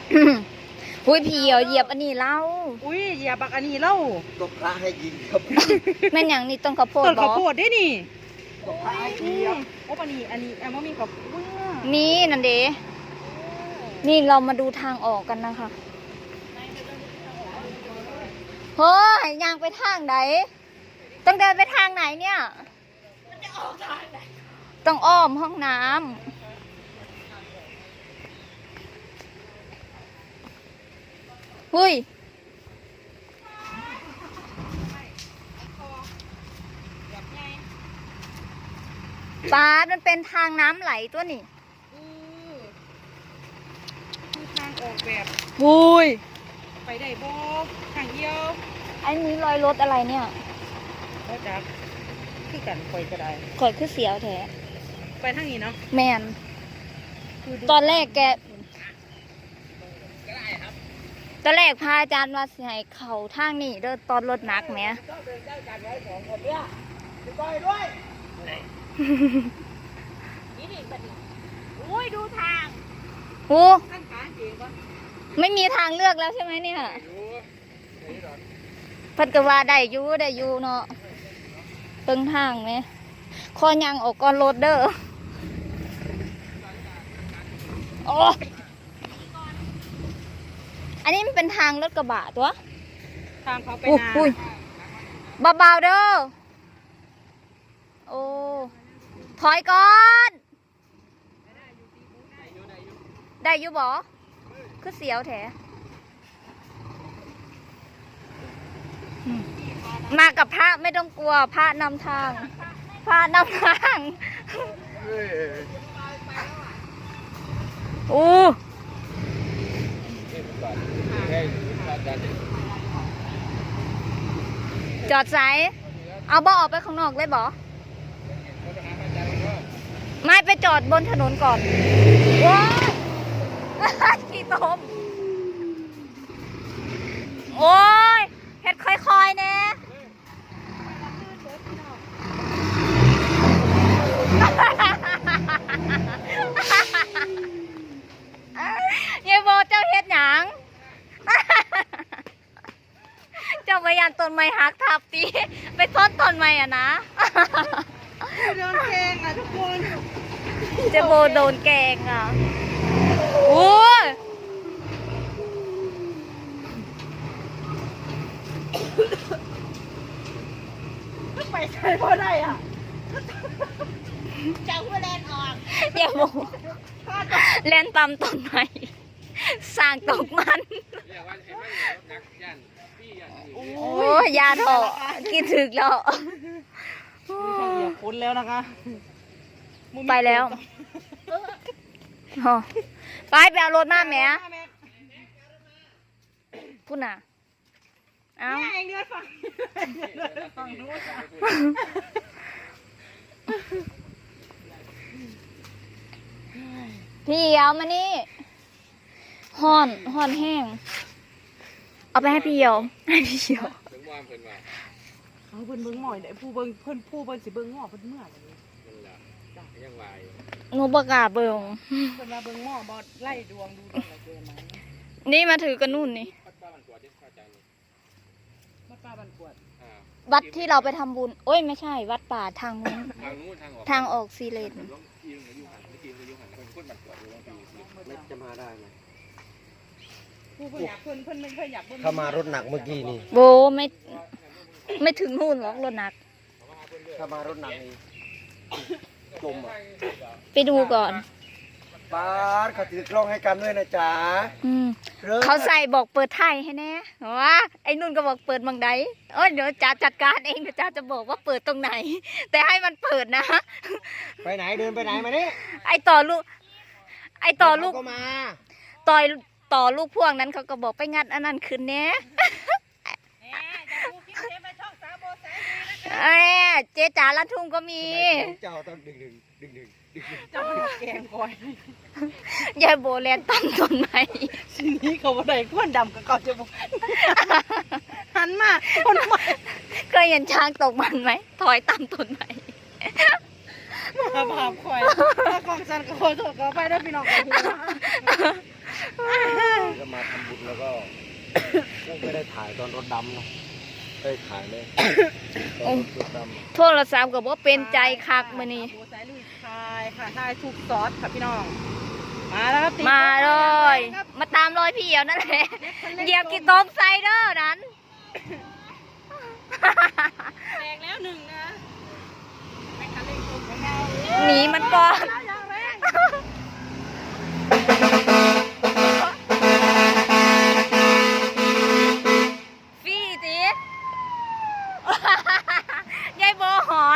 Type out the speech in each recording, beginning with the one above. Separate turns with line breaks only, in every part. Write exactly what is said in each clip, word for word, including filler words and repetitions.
อุ้ยพี่เหี่ยวเหยียบอันนี้เล่า
อุ้ยเหยียบบักอันนี้เล่า
ตกพระให้ยิงครับ
แม่นอย่างนี้ต้นข้าวโพด
ต้นข้าวโพดได้นี่
ตกพระให้ยิง
โอ้ปนี่อันนี้อันว่ามีกับ
มีนั่นเด้นี่เรามาดูทางออกกันนะคะเฮ้ยยางไปทางไหนต้องเดินไปทางไหนเนี่ยมันจะออกทางไหนต้องอ้อมห้องน้ำเฮ้ยปาดมันเป็นทางน้ำไหลตัวนี่
คือทางออกแบบ
หุย
ไปได้บ่ทางเดียว
อันนี้รอยรถอะไรเนี่ย
ก็จะที่กันคอยก็ได้
คอยคือเสียวแท้
ไปทางนี้เนาะ
แมนตอนแรกแกตอนแรกพาอาจารย์ว่าสิให้เข่าทางนี่เด้อตอนรถหนักไหม
นี่ดิบัดนี้โอ้ยดูทาง
โอ้ไม่มีทางเลือกแล้วใช่ไหมเนี่ยพัดกว่าได้ยูได้ยูเนาะเติงทางไหมคอยังออกก่อนรถเด้อโอ้อันนี้มันเป็นทางรถกระบะตัว
ทางเขาไปนา
เบาๆเด้อโอ้ถอยก่อนได้อยู่บ่คือเสียวแท้มากับพระไม่ต้องกลัวพระนำทางพระนำทางโอ้จอดสายเอาบ่อออกไปข้างนอกเลยบ่ไม่ไปจอดบนถนนก่อนว้าวขี่ตมโอ้ยเฮ็ดค่อยๆเนี่ยยายโบเจ้าเฮ็ดหยังเจ้าพยานต้นไม้หักทับตีไปซ่อนต้นไม้อะนะ
โดนแกงอ่ะทุกคน
เจ้าโบโดนแกงอ่ะโอ้ย
ไปใช้พอได้อ่ะจังว่าแลนออก
อย่าโบแลนตำต้นไม้สร้างตกมันโอ้ยยาถอกินถึกแล้ว
อย่าพ้นแล้วนะคะ
ไปแล้วไปไปเอารถมาแม่พูดน่ะเอาพี่เอามานี่ห่อนห่อนแห้งเอาไปให้พี่เหี่ยวให้พี่เหี่ยว
เขาเพิ่นเบิ้งหม่อยได้ผู้เบิ้งเพิ่นผู้เบิ้งสิเบิ้งหม้อเพิ่นเมื่อไร
หนูประกาศเบิ้ง
เพิ่นมาเบิ้งหม้อบอดไล่ดวงดูดวงอะไรเกินไหม
นี่มาถือกันนู่นนี่
วัดป่าบันกวด
วัดที่เราไปทำบุญโอ้ยไม่ใช่วัดป่าทางนู้นทางออกซีเลน
จะมาได้ไหม
ถ้
ามารถหนักเมื่อกี้นี่
โบไม่ไม่ถึงนู่นหรอกรถหนัก
ถ้ามารถหนักนี่จมอ่ะ
ไปดูก่อน
ป้าเขาถือกล้องให้กันด้วยนะจ๊ะ
เขาใส่บอกเปิดไทยให้แน่ว่าไอ้นุ่นก็บอกเปิดบางใดเออเดี๋ยวจ่าจัดการเองเดี๋ยวจ่าจะบอกว่าเปิดตรงไหนแต่ให้มันเปิดนะ
ไปไหนเดินไปไหนมาเนี่ย
ไอต่อลูกไอต่อลูก
ก็มา
ต่อยต่อลูกพวงนั้นเขาก็บอกไปงัดอันนั้นคืนเนี้ยเอ้เจ๊จ๋าละทุ่งก็มี
เจ้าต้องดึงดึงดึงดึงดึง
เจ้าแกงก่อย
ยายโบแลนตั้งต้นไม้
สิ่งนี้เขาบอกได้ก้อนดำกับเขาจะบอกหันมาคนใหม่
เคยเห็นช้างตกมันไหมถอยตั้งต้นไม้
มาบาปคอยถ้ากองสันกับคนตกก็ไปได้พี่น้องกัน
มาทำบุญแล้วก็ ไม่ได้ถ่ายตอนรถดำเนาะได้ถ่ายเลยตอนรถดำ
โทรศัพท์ก็บ่เป็นใจคักมื้อนี้
หมูสายลุยทายค่ะทายถูกซอสค่ะพี่น้องมาแล้วครับตี
มาเลย
ครับ
มาตามรอยพี่เหี่ยวนั่นแหละเหยียบกี่ต้มไซเดอร์นั้น
แตกแล้วหนึ่งนะไปคันเร่งตรงของเรา
หนีมันก่อน
อย่างแรง
ฟี่จี ยายโบหอน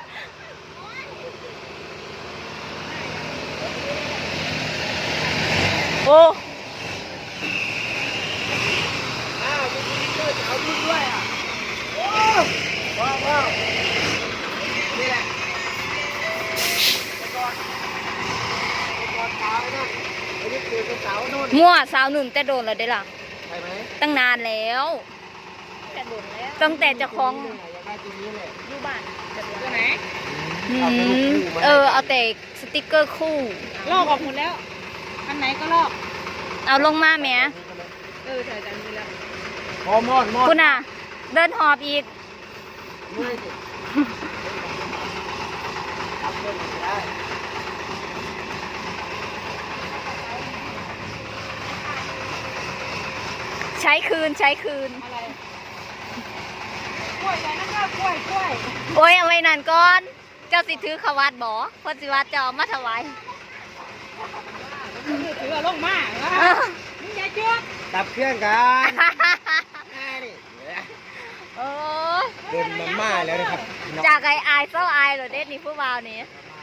โอ้
อ้าวมีสติ๊กเกอร์จะเอารุ่นด้วยอ่ะโอ้ว้าวว้าวนี่แหละแต่ก่อนแต่ก่อนสาวนั่นไอ้นี่คือเป็นสาวนู่น
มั่วสาวหนุ่มแต่โดนแล้วได้ล่ะ
ใช่ไหม
ตั้งนานแล้ว
จะโดนแล้ว
ตั้งแต่เจะคล้าของ
อยากได้ตัวนี้แหละ
อยู่บ้านจะโดนตัวไหน
อืมเออ เอาแต่สติกเกอร์คู่
ลอกออกหมดแล้วอันไหนก็ลอก
เอาลงมาแหม
เออถ่ายจานนี้แล้ว
พอมอดมอด
คุณอ่ะ เดินหอบอีก
เมื่อยสิทำเรื่องไม่ได้
ใช้คืนใช้คืน
อะไรกล้วยอะไรนะครับกล้วยกล้วย
โอ้ยเอาไว้นั่นก่อน เจ้าสิถือขวาดบ่เพ่อสิว่าเจ้าเอามาถวาย
ถือว่าลงมาว่ามึงอย่าจุด
ดับเครื่องกันง่ายนี่
โอ้
เดินมาม่าแล้วนะครับ
จากไออายเศร้าอายเหรอเด็ดนี่ผู้บ่าวนี่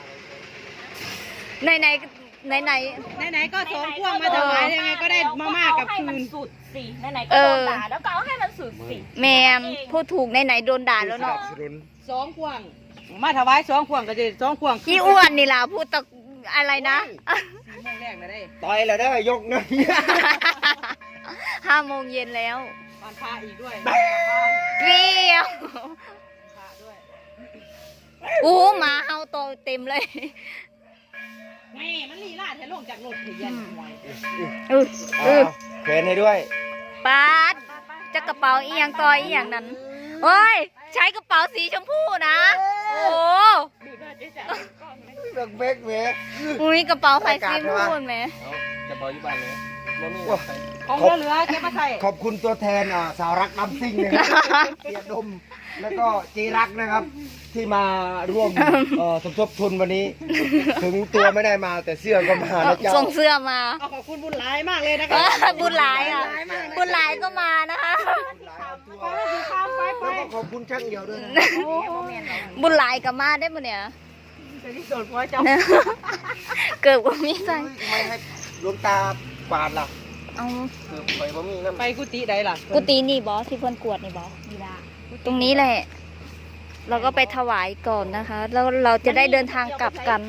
ในในในใน
ไหนๆก็สองพ่วงมาถวายยังไงก็ได้มาม่ากับคืน
สุดสิไหนๆก็โดนด่าแล้วก็เอาให้มันสุดสิ
แมมพูดถูกในไหนโดนด่าแล้วเนาะ
สนุน
สองพ่วง มาถวายสองพ่วงก็จะสองพ่วง
อีอ้วนนี่ล่ะพูดตะอะไรนะ
สี่โมงแรกเลยได้
ต่อยแล้วได้ยกหนะ
ห้าโมงเย็นแล้ว
วันพระอีกด้วย
เปรี้ยว
พระด้วย
อู้หมาเฮาโตเต็มเลย
แม่มันลีลาดให้ลงจากรถเถียนหวย
อืออือ
เขวนให้ด้วย
ปาดจะกระเป๋าอีหยังต่อยอีหยังนั้นโอ้ยใช้กระเป๋าสีชมพูนะโอ้
ดูหน้าเจ๊จ๋าก่อนไหม
เบิกเบกเวก
อุ้ยกระเป๋าไฟสีชมพูไหม
จะปล่อยอยู่บ้านเลยมันนี่
ของเหลือๆเก็บมาใส่
ขอบคุณตัวแทนอ่าสาวรักน้ำซิ่งนะครับเสียดมแล้วก็จีรักนะครับ ที่มาร่วมเอ่อสมทบทุนวันนี้ ถึงตัวไม่ได้มาแต่เสื้อก็มานะเจ้า
ส่งเสื้อมา
เอาขอบคุณบุญหลายมากเลยนะ
เอ
คะ
อบุญหลายอ่ะบุญหลายก็มานะคะ
ไปแล้วข้ามไปไป
แล้วก็ขอบคุณช่างเดียวด้วยนะ
บุญหลายก็มาได้ปะเนี่ย
จะที่สุดพ่อเจ้า
เกิดว่ามีใจ
ทำไมให้หลวงตากวาดล่ะ
เอา
คือไปบ่มีน้ำ
ไปกุฏิใดล่ะ
กุฏินี่บอสที่เพื่อนกวดนี่บอสตรงนี้แหละ เราก็ไปถวายก่อนนะคะ แล้วเราจะได้เดินทางกลับกัน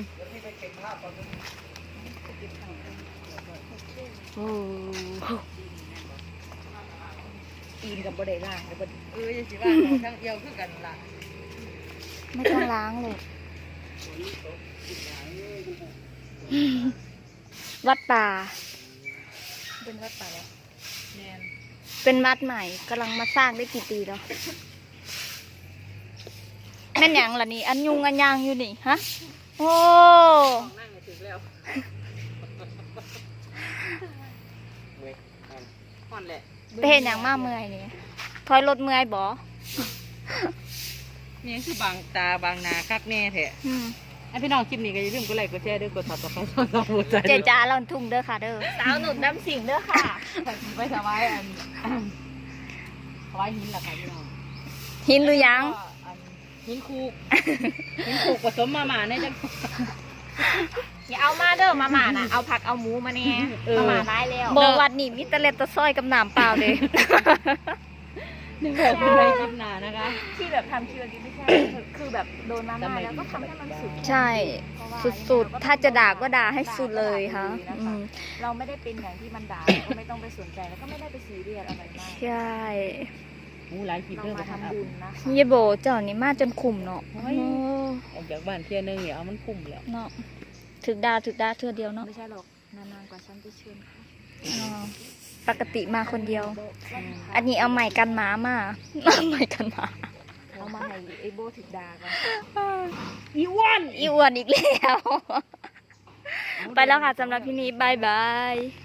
โอ้
ตีนกับบ่ได้ล่างกับบ่เออยังสิว่าของทั้งเอียวคือกันล่ะ
ไม่ต้องล้างเลยวัดป่า
เป็นวัดป่าแล้วแม่น
เป็นวัดใหม่กำลังมาสร้างได้กี่ปีแล้วแม่นหยังล่ะนี่ อันยุงอันยางอยู่นี่ฮะ โอ้
นั่งไม่ถึงแล้วห่อนแหละ
ไปเห็นอย่างมากเมื่อยนี่ถอยรถเมื่อยบอ
นี่คือบางตาบางนาคักแน่แท้
อืม
ไอพี่น้องคลิปนี้ก็อย่าลืมกดไลค์กดแชร์ด้วยกดติดตามช่องเราหัวใจ
เจจ้าเราทุ่งเด้อค่ะเด้อ
สาวหนุนน้ำสิงเด้อค่ะ
ไปถวายอันถวายหินล่ะค่ะพี่น้อง
หินหรือยัง
หินคูกหินคูกผสมมาหมาในจัง
อย่าเอามาเด้อมาหมานะเอาผักเอาหมูมาเนี่ยมาหมาร้ายแล้ว
บอวัดนี่มิตรเล็ดตะซ้อยกับน้ำเปล่าเลย
นึกแบบเป็นไรคลิปหนานะคะ
ที่แบบทำคิวดีไม่ใช่คือแบบโดนมาม่าแล้วก็ทำให้มันสุด
ใช่ สุดๆ ถ้าจะด่าก็ด่าให้สุดเลยค่ะอืม
เราไม่ได้เป็นอย่างที่มันด่าก็ไม่ต้องไปสนใจแล้วก็ไม่ได้ไปซีเรียสอะไรมาก
ใช่
มูหลายคลิป
เรา
เรื่อง
มา
ทำ
ทำ
บุ
บุ
ญ
ญนะ
เยโบเจ้านี่มาจนขุ่มเนาะโอ้
ออกจากบ้านเที่ยนึงเนี่ยเอามันคุ้มแล้ว
เนาะถึกด่าถึกด่าเทื่อเดียวเนาะ
ไม่ใช่หรอกนานๆกว่าฉันจะเชิญค่ะ
อ๋อปกติมาคนเดียว อันนี้เอาใหม่กันหมามาเอาใหม่กันหมา
เอามาให้ไอ้โบถึกดาก่อน
อีอ้วน
อีอ้วนอีกแล้ว ไปแล้วค่ะสำหรับที่นี้บายบาย